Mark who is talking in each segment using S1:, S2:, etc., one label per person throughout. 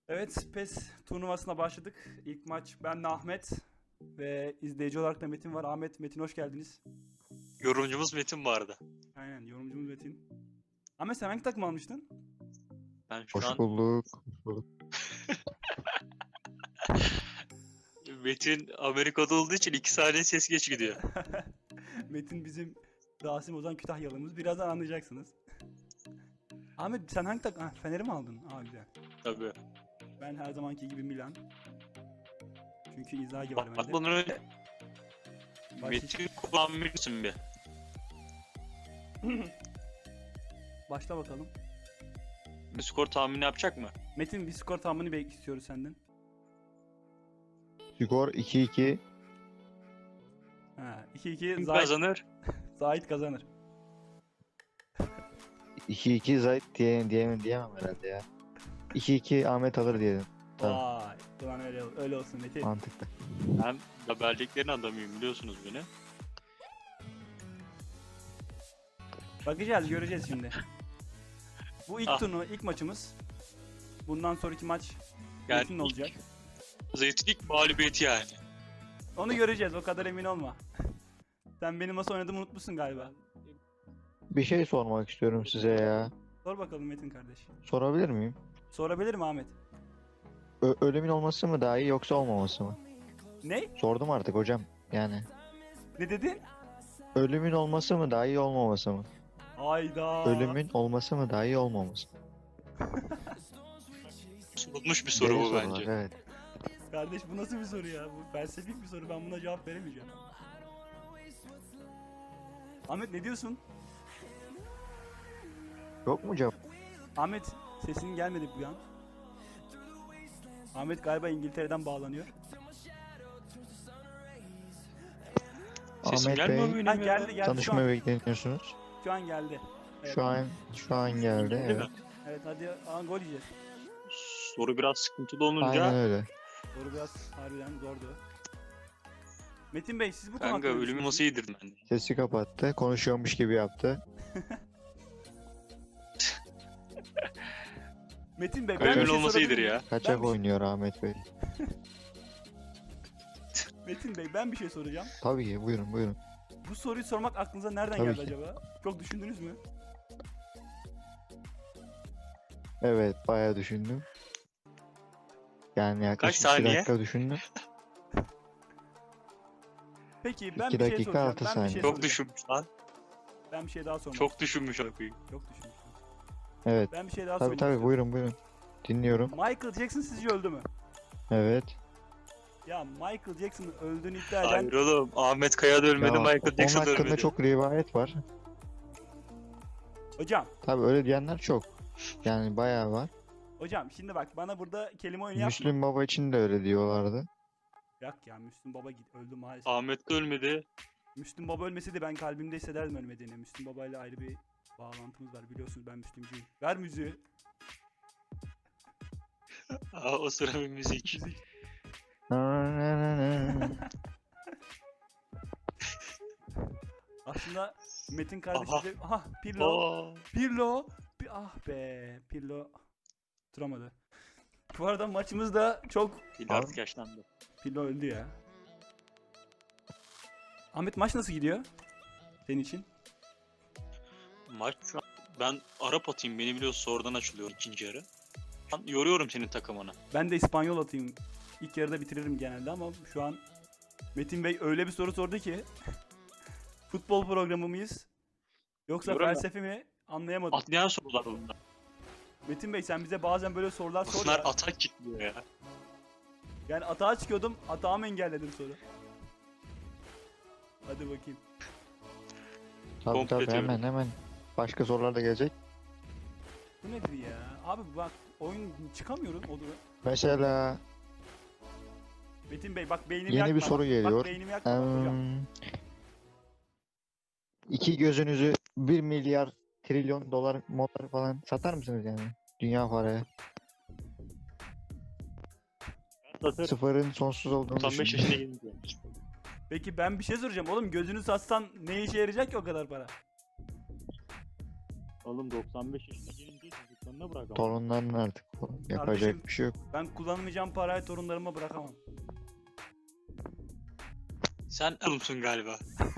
S1: Evet, PES turnuvasına başladık. İlk maç benle Ahmet ve izleyici olarak da Metin var. Ahmet, Metin hoş geldiniz.
S2: Yorumcumuz Metin vardı.
S1: Aynen, yorumcumuz Metin. Ahmet sen hangi takım almıştın?
S2: Ben şu
S3: Hoş
S2: an
S3: bulduk. Hoş bulduk.
S2: Metin Amerika'da olduğu için 2 saniye ses geç gidiyor.
S1: Metin bizim Rasim Ozan Kütahyalımız. Birazdan anlayacaksınız. Ahmet sen hangi takım? Fener'i mi aldın? Aa güzel.
S2: Tabii.
S1: Ben her zamanki gibi Milan. Çünkü Inzaghi var bende.
S2: Bakmadan önce
S1: Baş-
S2: Metin kullanmışsın bir.
S1: Başla bakalım.
S2: Bir skor tahmini yapacak mı?
S1: Metin bir skor tahmini istiyoruz senden.
S3: Skor 2-2.
S1: Ha, 2-2
S2: Kim
S1: Zahit,
S2: kazanır?
S1: Zahit kazanır.
S3: 2-2 Zayt diyemem herhalde ya. 2-2 Ahmet alır diyelim. Tamam.
S1: Vay, ulan öyle olsun Metin.
S3: Mantıklı.
S2: Ben haberliklerin adamıyım biliyorsunuz beni.
S1: Bakacağız, göreceğiz şimdi. Bu ilk
S2: Ah.
S1: turnu, ilk maçımız. Bundan sonraki maç
S2: Yani
S1: Metin'in olacak.
S2: Zeytin ilk mağlubiyeti yani.
S1: Onu göreceğiz, o kadar emin olma. Sen benim nasıl oynadığımı unutmuşsun galiba.
S3: Bir şey sormak istiyorum size ya.
S1: Sor bakalım Metin kardeş.
S3: Sorabilir miyim?
S1: Sorabilir mi Ahmet?
S3: Ölümün olması mı daha iyi yoksa olmaması mı?
S1: Ne?
S3: Sordum artık hocam. Yani
S1: Ne dedin?
S3: ölümün olması mı daha iyi olmaması mı?
S1: Hayda.
S3: Ölümün olması mı daha iyi olmaması mı?
S2: Sorulmuş bir soru
S3: Derin
S2: bu
S3: sorular,
S2: bence.
S3: evet.
S1: Kardeş bu nasıl bir soru ya? Bu felsefik bir soru, ben buna cevap veremeyeceğim. Ahmet ne diyorsun?
S3: Yok mu cevap?
S1: Ahmet sesin gelmedi bu an. Ahmet galiba İngiltere'den bağlanıyor.
S2: Sesim
S3: Ahmet
S2: gelmiyor
S3: Bey,
S2: mu
S1: Ha
S2: benim
S1: geldi
S2: ya?
S1: şu
S3: tanışmaya
S1: an.
S3: bekleniyorsunuz.
S1: Şu an geldi. Evet.
S3: Şu an geldi.
S2: Değil mi?
S3: Evet.
S1: Evet hadi gol yiyeceğiz.
S2: Soru biraz sıkıntılı olunca
S3: Aynen öyle.
S1: Soru biraz harbiden zordu. Metin Bey siz bu konu
S2: kanka
S1: hakkında ne
S2: ölümü nasıl
S1: düşünüyorsunuz?
S2: yedirdim ben de.
S3: Sesi kapattı. Konuşuyormuş gibi yaptı.
S1: Metin Bey ben bir
S2: Ölümün
S1: şey
S2: olması
S1: sorabilir
S2: iyidir
S1: miyim?
S2: ya.
S3: Kaçak
S1: Ben bir-
S3: oynuyor Ahmet Bey.
S1: Metin Bey ben bir şey soracağım.
S3: Tabii ki buyurun buyurun.
S1: Bu soruyu sormak aklınıza nereden
S3: Tabii
S1: geldi
S3: ki.
S1: acaba? Çok düşündünüz mü?
S3: Evet bayağı düşündüm. Yani yaklaşık 2
S2: saniye?
S3: dakika düşündüm.
S1: Peki ben
S3: 2
S1: bir şey
S3: dakika,
S1: soracağım.
S3: 6
S1: Ben bir
S3: saniye.
S1: şey
S2: Çok
S1: soracağım.
S2: düşünmüş lan.
S1: Ben bir şey daha sormak
S2: Çok düşünmüş abi.
S1: Çok düşünmüş.
S3: Evet.
S1: Ben bir şey daha
S3: Tabii
S1: sormak
S3: tabii
S1: istiyorum.
S3: buyurun buyurun. Dinliyorum.
S1: Michael Jackson sizce öldü mü?
S3: Evet.
S1: Ya Michael Jackson'ın öldüğünü iddia eden...
S2: Hayır oğlum. Ahmet Kaya da ölmedi,
S3: Ya,
S2: Michael
S3: onun
S2: Jackson da
S3: hakkında
S2: ölmedi.
S3: çok rivayet var.
S1: Hocam,
S3: Tabii öyle diyenler çok. Yani bayağı var.
S1: hocam şimdi bak bana burada kelime oyunu yapma.
S3: Müslüm Baba için de öyle diyorlardı.
S1: Yok ya Müslüm Baba öldü maalesef.
S2: Ahmet de ölmedi.
S1: Müslüm Baba ölmeseydi ben kalbimde hissederdim ölmediğini. Müslüm Baba ile ayrı bir bağlantımız var biliyorsunuz ben Müslümcüyüm. Ver müziği.
S2: Aa, o sıra bir müzik.
S1: Müzik. Aslında Metin kardeşim
S2: Aha.
S1: de... Aha Pirlo.
S2: Oo.
S1: Pirlo. Ah be Pirlo. Tutamadı. Bu arada maçımız da çok...
S2: Fil artık yaşlandı.
S1: Pirlo öldü ya. Ahmet maç nasıl gidiyor? Senin için?
S2: Maç şu an ben Arap atayım, beni biliyorsun, sonradan açılıyor ikinci yarı. Ben yoruyorum senin takımını.
S1: Ben de İspanyol atayım. İlk yarıda bitiririm genelde ama şu an Metin Bey öyle bir soru sordu ki futbol programı mıyız? Yoksa
S2: Diyorum ya.
S1: felsefe mi? Anlayamadım.
S2: Atlayan sorular bunlar.
S1: Metin Bey sen bize bazen böyle sorular sor
S2: Bunlar
S1: ya.
S2: atak çıkmıyor ya.
S1: Yani atağa çıkıyordum, atağımı engelledim soru. Hadi bakayım.
S3: Tabii
S2: Komple
S3: tabii
S2: teori.
S3: hemen. Başka sorular da gelecek.
S1: Bu nedir ya? Abi bak oyun çıkamıyorum o durum.
S3: Mesela
S1: Metin Bey bak beynimi
S3: Yeni
S1: yakma.
S3: bir soru
S1: bak,
S3: geliyor.
S1: Bak beynimi yakma bak hocam.
S3: İki gözünüzü 1 milyar trilyon dolar motor falan satar mısınız yani? Dünya paraya. Sıfırın sonsuz olduğunu
S2: 95
S3: düşünün.
S2: yaşına gelince.
S1: Peki ben bir şey soracağım. Oğlum gözünü satsan ne işe yarayacak ki o kadar para?
S2: Oğlum 95 yaşına gelince Torunlarına bırak ama.
S3: Torunların artık. Yapacak
S1: Kardeşim-
S3: bir şey yok.
S1: Ben kullanmayacağım parayı torunlarıma bırakamam.
S2: Sen Erzurum'sun galiba.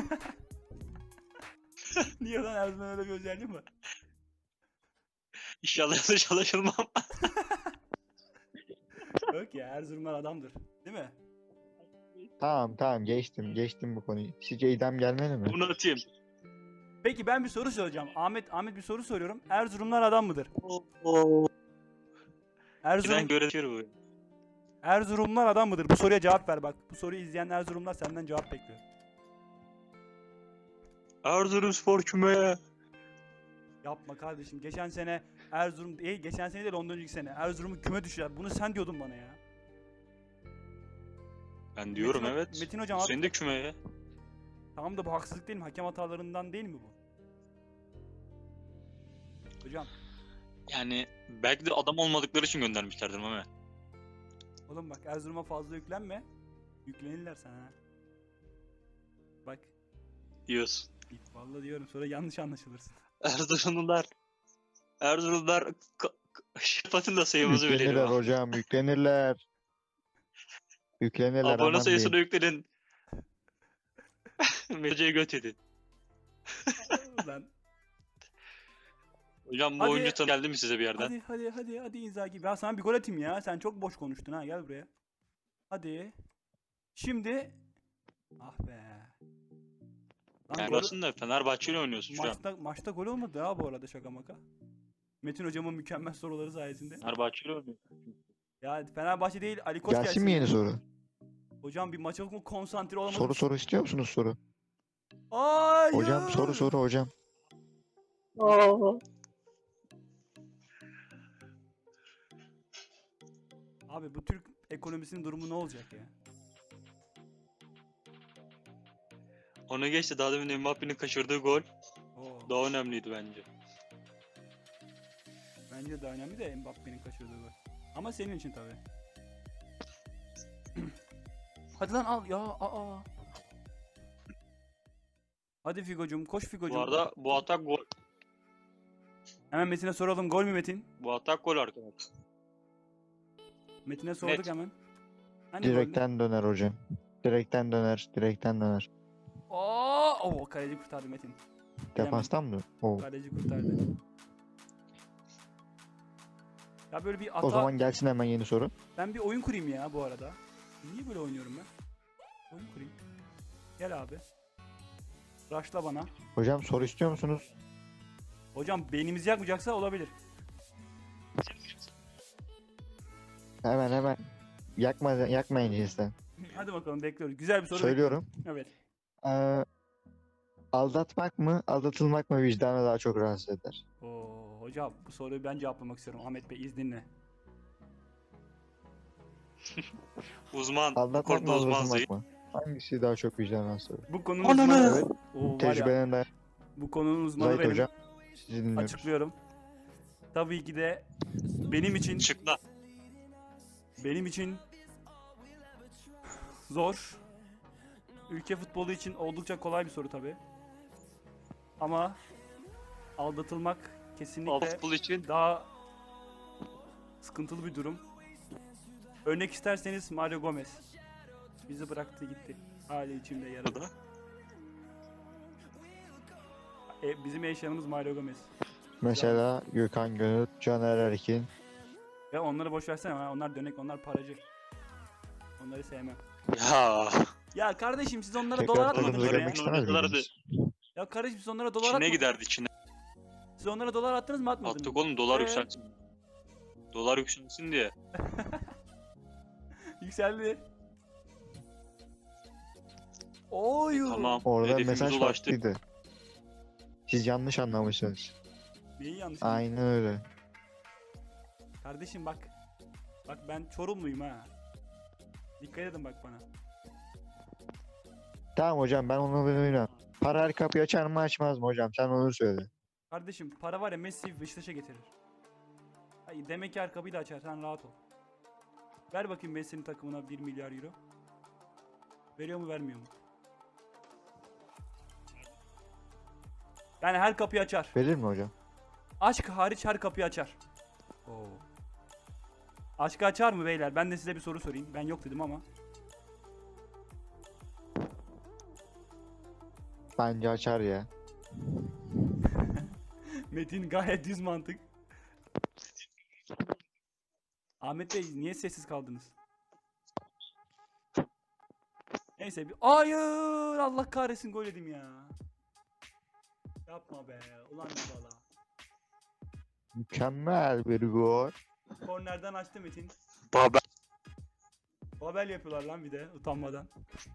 S1: Niye lan Erzurum'un öyle bir özelliği mi var?
S2: İnşallah yanlış anlaşılmam.
S1: Yok ya, Erzurumlar adamdır. Değil mi?
S3: Tamam geçtim bu konuyu. Sizce idam gelmeli mi?
S2: Bunu atayım.
S1: Peki ben bir soru soracağım. Ahmet bir soru soruyorum. Erzurumlar adam mıdır?
S2: Tren göretir bu.
S1: Erzurumlar adam mıdır? Bu soruya cevap ver bak. Bu soruyu izleyen Erzurumlar senden cevap bekliyor.
S2: Erzurumspor küme.
S1: Yapma kardeşim. Geçen sene Erzurum değil, geçen sene değil ondan önceki sene. Erzurum'u küme düşürdüler. Bunu sen diyordun bana ya.
S2: Ben diyorum
S1: Metin,
S2: evet.
S1: Metin hocam
S2: Senin de kümeye.
S1: tamam da bu haksızlık değil mi? Hakem hatalarından değil mi bu? Hocam,
S2: Yani belki de adam olmadıkları için göndermişlerdir Mehmet.
S1: oğlum bak Erzurum'a fazla yüklenme. Yüklenirler sana ha. Bak,
S2: Diyorsun.
S1: vallahi diyorum sonra yanlış anlaşılırsın.
S2: Erzurumlar şifatın da sayımızı
S3: Yüklenirler
S2: verelim.
S3: hocam yüklenirler. Yüklenirler
S2: Abone
S3: aman
S2: sayısını
S3: diyeyim.
S2: yükledin. Meceye göt edin.
S1: Lan.
S2: Hocam bu
S1: Hadi.
S2: oyuncu tanı geldi mi size bir yerden?
S1: Hadi Inzaghi. Ben sana bir gol atayım ya. Sen çok boş konuştun ha. Gel buraya. Hadi. Şimdi. Ah be. Lan
S2: Fenerbahçe'nin de Fenerbahçe'yle oynuyorsun şu an.
S1: maçta gol olmadı ha bu arada, şaka maka. Metin hocamın mükemmel soruları sayesinde.
S2: Fenerbahçe'yle oynuyorsun.
S1: Ya Fenerbahçe değil, Ali Koç
S3: Gelsin mi yeni
S1: ya.
S3: soru?
S1: Hocam bir maça konsantre olamadım.
S3: Soru istiyor musunuz soru?
S1: Hayır.
S3: Hocam soru hocam.
S1: Abi bu Türk ekonomisinin durumu ne olacak ya?
S2: Ona geçti, daha demin Mbappe'nin kaçırdığı gol
S1: Oo.
S2: daha önemliydi bence.
S1: Bence de önemli de Mbappe'nin kaçırdığı gol. Ama senin için tabii. Hadi lan al ya. Aa. Hadi Figo'cum, koş Figo'cum.
S2: Bu arada bu atak gol.
S1: Hemen Metin'e soralım. Gol mü Metin?
S2: Bu atak gol arkadaşlar.
S1: Metin'e sorduk
S2: Net.
S1: hemen. Hani gol ne?
S3: Direkten döner hocam. Direkten döner.
S1: Oo, kaleci kurtardı Metin.
S3: Defastan mı? Oo.
S1: Kaleci kurtardı. Ya böyle bir
S3: O zaman gelsin hemen yeni soru.
S1: Ben bir oyun kurayım ya bu arada. Niye böyle oynuyorum ben? Oyun kurayım. Gel abi. Rush'la bana.
S3: Hocam soru istiyor musunuz?
S1: Hocam beynimizi yakmayacaksa olabilir.
S3: Hemen. Yakmayın cinsten.
S1: Hadi bakalım, bekliyoruz. Güzel bir soru.
S3: Söylüyorum.
S1: Evet.
S3: Aldatmak mı, aldatılmak mı vicdanı daha çok rahatsız eder?
S1: Oo, hocam bu soruyu ben cevaplamak istiyorum. Ahmet Bey izninle.
S2: Uzman. Bu
S3: Aldatmak mı,
S2: konuda uzman
S3: aldatılmak
S2: Zeyt.
S3: mı? Hangisi daha çok vicdan rahatsız eder?
S1: Bu konunun
S2: Ananı!
S1: uzmanı.
S3: Evet,
S1: Oo, var ya,
S3: tecrübeden de
S1: bu konunun uzmanı
S3: Zahit
S1: benim.
S3: hocam. Sizi dinliyoruz.
S1: Açıklıyorum. Tabii ki de benim için zor. Ülke futbolu için oldukça kolay bir soru tabii. Ama aldatılmak kesinlikle
S2: Futbol için
S1: daha sıkıntılı bir durum. Örnek isterseniz Mario Gomez. Bizi bıraktı gitti. Hala içimde yaralı. Bizim eşyanımız Mario Gomez.
S3: Mesela Gökhan Gönül, Caner Erkin.
S1: Ya onları boş versene. Onlar dönek, onlar paracı. Onları sevmem.
S2: ya
S1: Ya kardeşim siz onlara
S3: Tekrar
S1: dolar
S3: takımımıza
S1: atmadınız
S3: görmek
S1: oraya.
S3: istemez
S2: Oynadılar
S3: miydiniz?
S1: Ya kardeşim siz onlara dolar
S2: Çin'e
S1: atmadınız.
S2: giderdi Çin'e.
S1: Siz onlara dolar attınız mı atmadınız
S2: Attık
S1: mı?
S2: oğlum, dolar yükselsin. Dolar yükselsin diye.
S1: Yükseldi. Oy.
S2: Tamam.
S3: Orada
S2: Hedefimize
S3: mesaj
S2: ulaştık.
S3: farklıydı. Siz yanlış anlamışsınız.
S1: Neyi yanlış?
S3: Aynen öyle.
S1: Kardeşim bak. Bak ben Çorumluyum ha. Dikkat edin bak bana.
S3: Tamam hocam ben onu bilmiyorum. Para her kapıyı açar mı açmaz mı hocam? Sen onu söyle.
S1: Kardeşim para var ya, Messi Beşiktaş'a getirir. Hayır, demek ki her kapıyı da açar, sen rahat ol. Ver bakayım Messi'nin takımına 1 milyar euro. Veriyor mu vermiyor mu? Yani her kapıyı açar.
S3: Verir mi hocam?
S1: Aşk hariç her kapıyı açar. Oo. Aşkı açar mı beyler? Ben de size bir soru sorayım. Ben yok dedim ama.
S3: Bence açar ya.
S1: Metin gayet düz mantık. Ahmet Bey niye sessiz kaldınız? Neyse bir... Hayır! Allah kahretsin gol yedim ya. Yapma be. Ulan ne bala.
S3: Mükemmel bir gol.
S1: Kornerden açtı Metin.
S2: Baba.
S1: Babel yapıyorlar lan bir de utanmadan.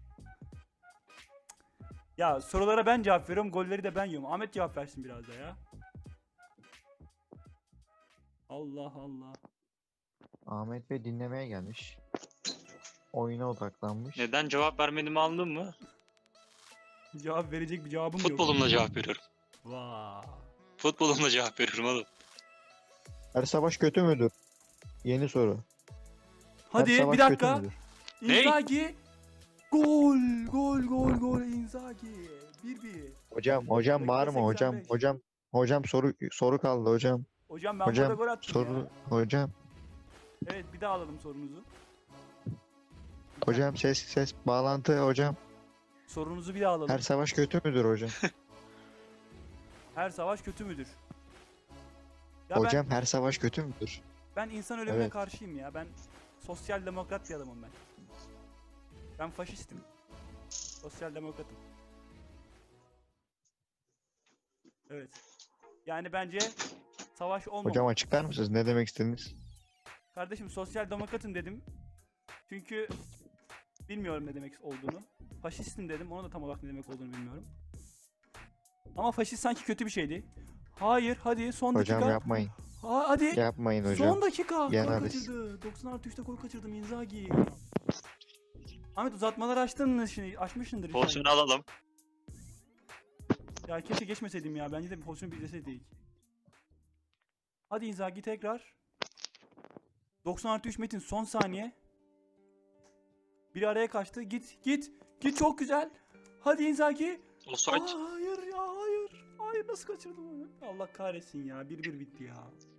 S1: Ya sorulara ben cevap veriyorum, golleri de ben yiyorum. Ahmet cevap versin biraz da ya. Allah Allah.
S3: Ahmet Bey dinlemeye gelmiş. Oyuna odaklanmış.
S2: Neden cevap vermediğimi anladın mı?
S1: Cevap verecek bir cevabım yok.
S2: Futbolumla cevap veriyorum.
S1: Vaa.
S2: Futbolumla cevap veriyorum oğlum.
S3: Her savaş kötü müdür? Yeni soru. Her
S1: Hadi
S3: savaş
S1: bir
S3: kötü
S1: dakika.
S3: müdür?
S2: Ne?
S1: Inzaghi. Gol, gol, gol, gol Inzaghi. 1-1.
S3: Hocam bağırma hocam.
S1: 85.
S3: Hocam soru kaldı hocam.
S1: Hocam ben
S3: Hocam
S1: burada gol attım
S3: soru
S1: ya.
S3: hocam.
S1: Evet bir daha alalım sorunuzu.
S3: Hocam ses bağlantı hocam.
S1: Sorunuzu bir daha alalım.
S3: Her savaş kötü müdür hocam?
S1: Her savaş kötü müdür? Ya
S3: Hocam her savaş kötü müdür?
S1: ben insan ölümüne
S3: Evet.
S1: karşıyım ya. Ben sosyal demokrat bir adamım ben. Ben faşistim. Sosyal demokratım. Evet. Yani bence savaş olmamalı.
S3: Hocam açıklar mısınız? Ne demek istediniz?
S1: Kardeşim sosyal demokratım dedim. Çünkü bilmiyorum ne demek olduğunu. Faşistim dedim. Onu da tam olarak ne demek olduğunu bilmiyorum. Ama faşist sanki kötü bir şeydi. Hayır, hadi son
S3: Hocam
S1: dakika.
S3: yapmayın.
S1: Hadi.
S3: Yapmayın hocam.
S1: Son dakika. Gol
S3: Yeneriz.
S1: kaçırdı. 90+3'te gol kaçırdım Inzaghi. Ahmet uzatmaları açtın mı şimdi? Açmışsındır. inşallah.
S2: Pozisyonu alalım.
S1: Ya keşke geçmeseydim ya. Bence de bir pozisyonu bir izleseydik. Hadi Inzaghi tekrar. 90+3 Metin son saniye. Biri araya kaçtı. Git çok güzel. Hadi Inzaghi.
S2: Offside.
S1: Hayır ya hayır. Hayır nasıl kaçırdım onu? Allah kahretsin ya. 1-1 bitti ya.